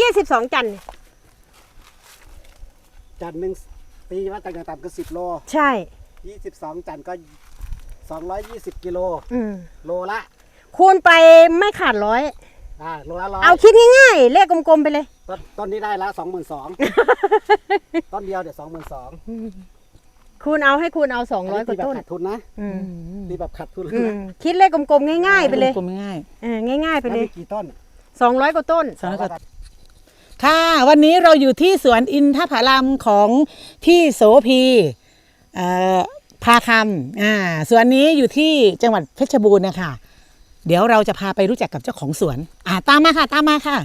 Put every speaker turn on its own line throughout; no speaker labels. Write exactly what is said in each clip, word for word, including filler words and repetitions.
ยี่สิบสองจัน
จันหนึ่งปีว่าต่างๆต่ำก็สิบโล
ใช่
ยี่สิบสองจันก็สองร้อยยี่สิบกิโลโลละ
คูณไปไม่ขาดร้อย
อ่าโลละร้อย
เอาคิดง่ายๆเลขกลมๆไปเลย
ต้นต้นนี้ได้ละสองหมื่นสองต้นเดียวเดี๋ยวสองหมื่นสอง
คูณเอาให้คูณเอาสองร้อยกว่าต้น
ขาดทุนนะดีแบบขาดทุนนะ
คิดเลขกลมๆง่ายๆไปเลย
กลมง่าย
เออง่ายๆไปเลย
กี่ต้น
สองร้อยกว่าต้น
สองร้อยกว่าค่ะวันนี้เราอยู่ที่สวนอินทผลัมของพี่โสพีพาคำอ่าสวนนี้อยู่ที่จังหวัดเพชรบูรณ์นะคะเดี๋ยวเราจะพาไปรู้จักกับเจ้าของสวนอ่าตามมาค่ะตามมาค่ะ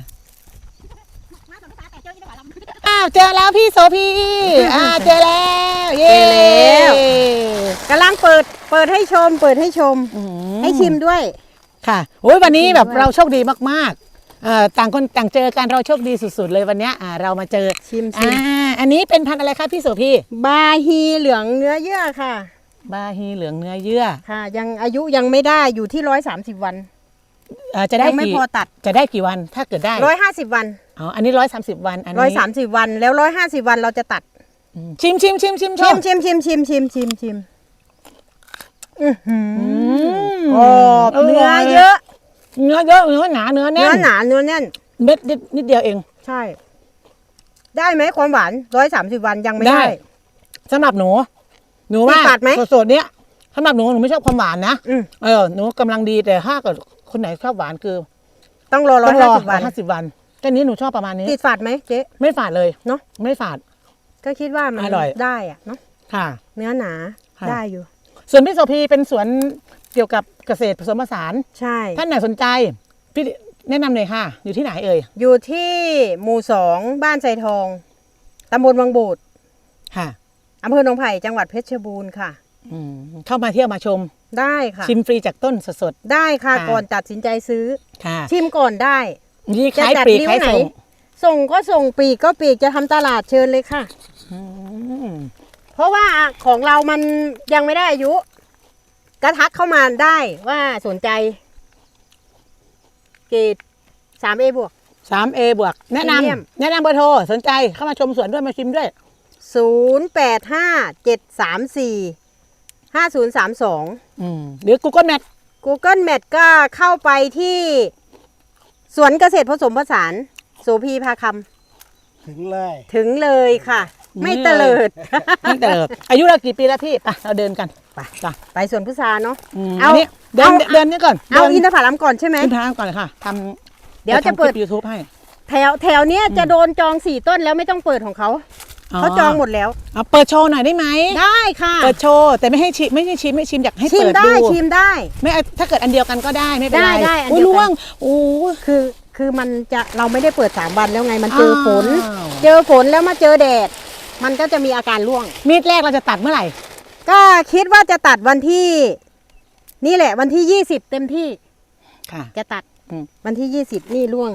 อ้าวเจอแล้วพี่โสพีอ่าเจอแล้วเย้
กำลังเปิดเปิดให้ชมเปิดให้ชมให้ชิมด้วย
ค่ะโอ้ยวันนี้แบบเราโชคดีมากๆต่างคนต่างเจอกันเราโชคดีสุดๆเลยวันนี้เรามาเจอ
ชิมชิม
อันนี้เป็นพันธุ์อะไรคะพี่โสพี
บาฮีเหลืองเนื้อเยื่อค่ะ
บาฮีเหลืองเนื้อเยื่อ
ค่ะยังอายุยังไม่ได้อยู่ที่ร้อยสามสิบวัน
จะได้
ไม่พอตัด
จะได้กี่วันถ้าเกิดได้
ร้อยห้าสิบวัน
อ๋ออันนี้ร้อยสามสิบวันอันนี้
ร้อยสามสิบวันแล้วร้อยห้าสิบวันเราจะตัด
ชิมชิมชิมชิม
ชิมชิมชิมชิมชิมชิมชิมอือหือเนื้อเยอะ
เนื้อเยอะเนื้อหนาเนื้อแน่น
เนื้อหนาเนื้อแน่น
เม็ดนิดเดียวเอง
ใช่ได้ไหมความหวานร้อยสามสิบวันยังไม่ได้
สำหรับหนูหนูว่าสดๆเนี้ยสำหรับหนูหนูไม่ชอบความหวานนะเออหนูกำลังดีแต่ถ้าเกิดคนไหนชอบหวานคือ
ต้องรอร้อยห้าสิบวัน
ห้าสิบวันแค่นี้หนูชอบประมาณนี้
ติดฝาดไหมเจ๊
ไม่ฝาดเลย
เนาะ
ไม่ฝาด
ก็คิดว่ามัน
อร่อย
ได้อะเนาะ
ค่ะ
เนื้อหนาได้อยู่
ส่วนพี่โสพีเป็นสวนเกี่ยวกับเกษตรผสมผสาน
ใช่
ท่านไหนสนใจพี่แนะนำเลยค่ะอยู่ที่ไหนเอ่ย
อยู่ที่หมู่สองบ้านไซทองตำบลวังบูด
ค่ะ
อำเภอหนองไผ่จังหวัดเพชรบูรณ์ค่ะ
เข้ามาเที่ยวมาชม
ได้ค่ะ
ชิมฟรีจากต้นสด
ๆได้ค่ะก่อนตัดสินใจซื้อ
ค่ะ
ชิมก่อนได้
นี่ขายปลีกขายส่ง
ส่งก็ส่งปีกก็ปีกจะทำตลาดเชิญเลยค่ะเพราะว่าของเรามันยังไม่ได้อายุกระทักเข้ามาได้ว่าสนใจเกรดสามเอบวก
สามเอบวกแนะนำแนะนำเบอร์โทรสนใจเข้ามาชมสวนด้วยมาชิมด้วย
ศูนย์แปดห้าเจ็ดสามสี่ห้าศูนย์สามสอง
หรือ Google Map
Google Map ก็เข้าไปที่สวนเกษตรผสมผสานโสพีพาค
ำถึงเลย
ถึงเลยค่ะไม่เตลิด
ไม่เตลิดอายุเรากี่ปีแล้วพี่ไปเราเดินกัน
ไปไปสวนพุทราเนาะ
เอาเดินเดินนี่ก่อน
เอาอินทผลัมก่อนใช่ไหม
อินทผลัมก่อนเลยค่ะท
ำเดี๋ยวจะเปิด
ยูทูบให้
แถวแถวเนี้ยจะโดนจองสี่ต้นแล้วไม่ต้องเปิดของเขาเขาจองหมดแล้ว
เอาเปิดโชว์หน่อยได้ไหม
ได้ค่ะ
เปิดโชว์แต่ไม่ให้ชิมไม่ให้ชิมไม่ชิมอยากให้เปิดดู
ชิมได้ชิมได้
ไม่ถ้าเกิดอันเดียวกันก็ได้ไม่เป็นไร
ได้ได้
อุ้ยล่วงโอ้
คือคือมันจะเราไม่ได้เปิดสามวันแล้วไงมันเจอฝนเจอฝนแล้วมาเจอแดดมันก็จะมีอาการร่วง
มีดแรกเราจะตัดเมื่อไหร่
ก็คิดว่าจะตัดวันที่นี่แหละวันที่ยี่สิบเต็มที่
ค่ะ
จะตัดวันที่ยี่สิบนี่ร่วง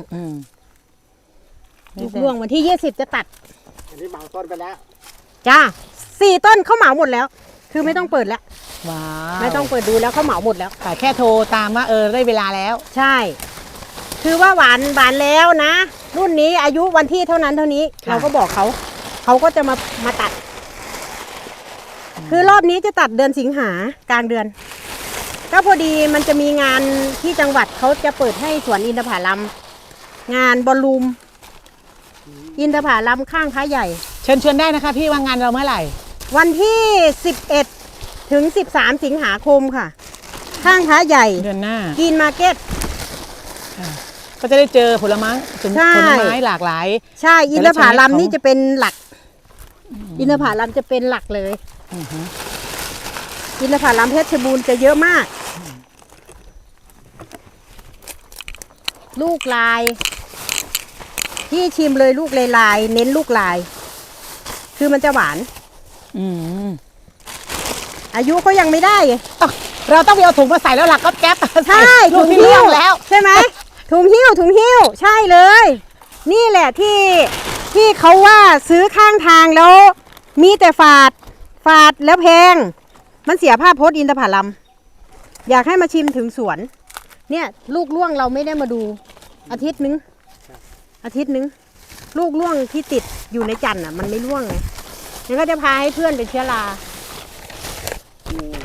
ลูกร่วงวันที่ยี่สิบจะตัด
อันนี้เหมาต้นไปแล้ว
จ้าสี่ต้นเขาเหมาหมดแล้วคือไม่ต้องเปิดแล้ว
ว้าว
ไม่ต้องเปิดดูแล้วเขาเหมาหมดแล้ว
แต่แค่โทรตามว่าเออได้เวลาแล้ว
ใช่คือว่าหวานหวานแล้วนะรุ่นนี้อายุวันที่เท่านั้นเท่านี้เราก็บอกเขาเขาก็จะมามาตัดคือรอบนี้จะตัดเดือนสิงหากลางเดือนก็พอดีมันจะมีงานที่จังหวัดเขาจะเปิดให้สวนอินทผลัมงานบอลลูมอินทผลัมข้างพระใหญ่
เชิญชวนได้นะคะพี่ว่างานเราเมื่อไหร่
วันที่สิบเอ็ดถึงสิบสามสิงหาคมค่ะข้างพระใหญ่
เดือนหน้า
กินมาร์เก็ต
ก็จะได้เจอผลไม้ผลไม้หลากหลาย
ใช่อินทผลัมนี่จะเป็นหลักอินทผลัมจะเป็นหลักเลยอินทผลัมเพชรบูรณ์จะเยอะมากลูกลายที่ชิมเลยลูกลายลายเน้นลูกลายคือมันจะหวานอายุก็ยังไม่ได้
เราต้องไปเอาถุงมาใส่แล้วหลักก็แก๊ป
ใช่ถุงหิ้วแล้วใช่ไหมถุงหิ้วถุงหิ้วใช่เลยนี่แหละที่ที่เขาว่าซื้อข้างทางแล้วมีแต่ฝาดฝาดแล้วแพงมันเสียภาพพจน์อินทผลัมอยากให้มาชิมถึงสวนเนี่ยลูกล่วงเราไม่ได้มาดูอาทิตย์นึงอาทิตย์นึงลูกร่วงที่ติดอยู่ในจันทร์อ่ะมันไม่ร่วงไงมันก็จะพาให้เพื่อนเป็นเชื้อรา
อืม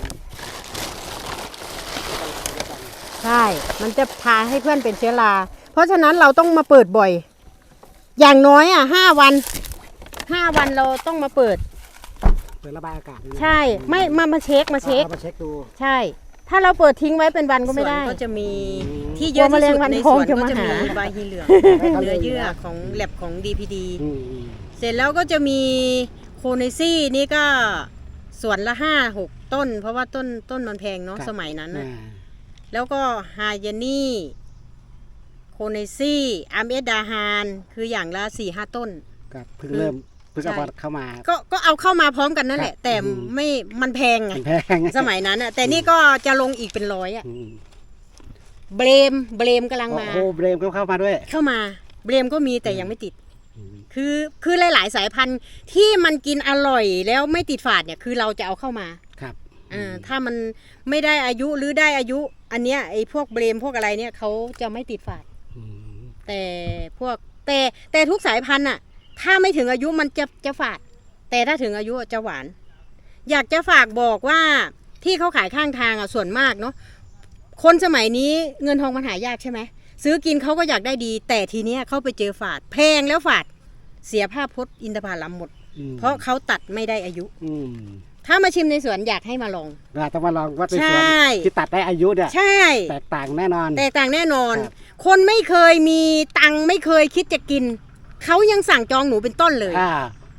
ใช่ มันจะพาให้เพื่อนเป็นเชื้อรา เพราะฉะนั้นเราต้องมาเปิดบ่อย อย่างน้อยอ่ะห้าวันห้าวันเราต้องมาเปิด
เปิดระบายอากาศนี่นะ
ใช่ ไม่มามาเช็คมาเช็ค
อามาเช็คดู
ใช่ ถ้าเราเปิดทิ้งไว้เป็นวันก็ไม่ได้
สวนก็จะมี
อืม
ที่เยอะที่สุดในสวน
กลัวแมลงวันทองจะ
ก็จะ
มา
มี
หา
ใบฮีเหลือง
ให้เขา
เนื้อ
เลย
เยื่อ
นะ
ของแลบของ ดี พี ดี
อืมอืม
เสร็จแล้วก็จะมีโคเนซี่นี่ก็สวนละห้าหกต้น เพราะว่าต้นต้นมันแพงเนาะ
ครับ
สมัยนั้น
อ่า
น่ะแล้วก็ฮายานี่โคเนซี่อาร์เมสดาฮานคืออย่างละสี่ห้าต้น
ครับเพิ่งเริ่มเพิ่งเอา
ใช่
เข้ามา
ก็ก็เอาเข้ามาพร้อมกันนั่นแหละ
ครับ
แต่
อืม
ไม่มันแพงไง
แพง
สมัยนั้นน่ะแต่นี่ก็จะลงอีกเป็นร้อยอะ
อืม
เบรมเบรมกำลัง
โอ้
มา
โหเบรมก็เข้ามาด้วย
เข้ามาเบรมก็มีแต่ยังไม่ติด
อืม
คือคือหลาย ๆ สายพันธุ์ที่มันกินอร่อยแล้วไม่ติดฝาดเนี่ยคือเราจะเอาเข้ามา
ครับ
อ่าถ้ามันไม่ได้อายุหรือได้อายุ อันเนี้ยไอ้พวกเบรมพวกอะไรเนี่ยเขาจะไม่ติดฝาด
อืม
แต่พวกแต่แต่ทุกสายพันธุ์อะถ้าไม่ถึงอายุมันจะจะฝาด แต่ถ้าถึงอายุจะหวาน อยากจะฝากบอกว่าที่เขาขายข้างทางอะส่วนมากเนาะคนสมัยนี้เงินทองมันหายากใช่ไหมซื้อกินเขาก็อยากได้ดี แต่ทีเนี้ยเขาไปเจอฝาดแพงแล้วฝาดเสียภาพพจน์อินทผลัมหมด
อืม
เพราะเขาตัดไม่ได้อายุ
อืม
ถ้ามาชิมในสวนอยากให้มาลอง
เราต้องมาลองวัดในสวน
ใช่
ที่ตัดได้อายุเนี่ย
ใช่
แตกต่างแน่นอน
แตกต่างแน่นอน
ครับ
คนไม่เคยมีตังค์ไม่เคยคิดจะกิน เขายังสั่งจองหนูเป็นต้นเลย
อ่าย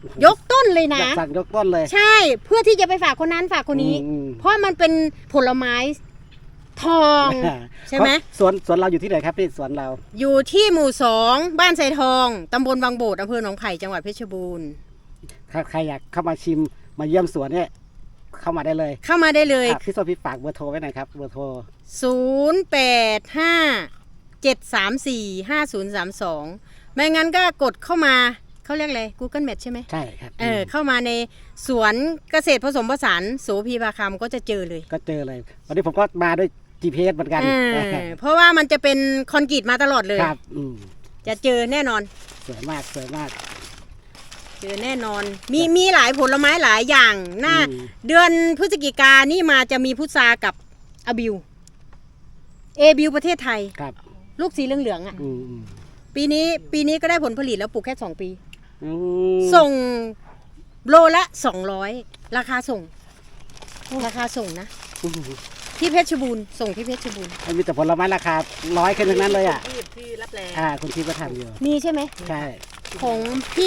กต้นเลย
อ
นะ
ยากสั่งยกต้นเลย
ใช่เพื่อที่จะไปฝากคนนั้นฝากคนนี้
อืม
เพราะมันเป็นผลไม้ทอง
อ่า
ใช่ไหม
สวนสวนเราอยู่ที่ไหนครับพี่สวนเรา
อยู่ที่หมู่สองบ้านไซทองตำบลบางโบดอำเภอหนองไผ่จังหวัดเพชรบูรณ์
ถ้าใครอยากเข้ามาชิมมาเยี่ยมสวนเนี่ยเข้ามาได้เลย
เข้ามาได้เลย
อ่ะพี่โซพี่ฝากเบอร์โทรไว้หน่อยครับเบอร์โทร
ศูนย์ แปด ห้า เจ็ด สาม สี่ ห้า ศูนย์ สาม สอง ไม่งั้นก็กดเข้ามาเขาเรียกอะไร Google Map ใช่ไหม
ใช่ครับ
เออเข้ามาในสวนเกษตรผสมผสานโสพีพาคำก็จะเจอเลย
ก็เจอเลย วันนี้ผมก็มาด้วย จี พี เอส เหมือนกัน
เออเพราะว่ามันจะเป็นคอนกรีตมาตลอดเลย
ครับอืม
จะเจอแน่นอน
สวยมากสวยมาก
เจอแน่นอน มีมีหลายผลไม้หลายอย่างหน้า
อืม
เดือนพฤศจิกานี่มาจะมีพุทรากับอาบิวเอบิวประเทศไทย
ครับ
ลูกสีเหลืองๆอ่ะ
อืมอืม
ปีนี้ปีนี้ก็ได้ผลผลิตแล้วปลูกแค่สองปี
อืม
ส่งโลละสองร้อยราคาส่ง ราคาส่งนะ
อืม
ที่เพชรบูรณ์ส่งที่เพชรบูรณ์
มันมีแต่ผลไม้ราคาร้อยแค่นั้นเลยอ่ะ
ที่ที่รับแรง
อ่าคุณที่ประทำอยู่
มีใช่ไหม
ใช่
ของพี่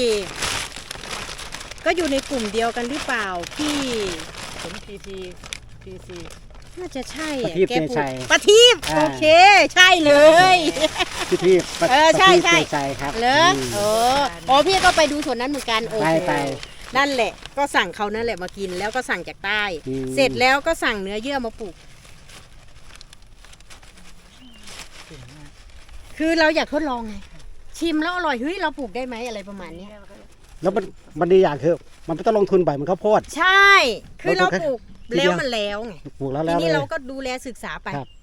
ก็อยู่ในกลุ่มเดียวกันหรือเปล่าพี่
ผมพีทีพีซี
น่าจะใช่
ประ
อะ
ทีป
แก
เต
ปลูก
ชัย
ประทีป
อ่า
โอเค ใช่เลย
พี่ที่ประ
เออใช่
ประทีป
ใช่
เตชัยครับ
เหรอ
อืม
เอออ๋อพี่ก็ไปดูส่วนนั้นเหมือนกันโอ้
ไป
โห
ไป
นั่นแหละ ก็สั่งเขานั่นแหละมากินแล้วก็สั่งจากใต้
อืม
เสร็จแล้วก็สั่งเนื้อเยื่อมาปลูก คือเราอยากทดลองไง ชิมแล้วอร่อยเฮ้ยเราปลูกได้ไหมอะไรประมาณเนี้ย
แล้วมันมันดีอย่างคือมันไม่ต้องลงทุนบ่อยเหมันข้าวโพด
ใช่ คือเรา
เราปลูก
ปลูก
ทีเดี
แล้
ยว ว
มันแล้วไง
ปลูกแล้ว
ที
แล้ว
นี้
เลย
เราก็ดูแลศึกษาไป
ครับ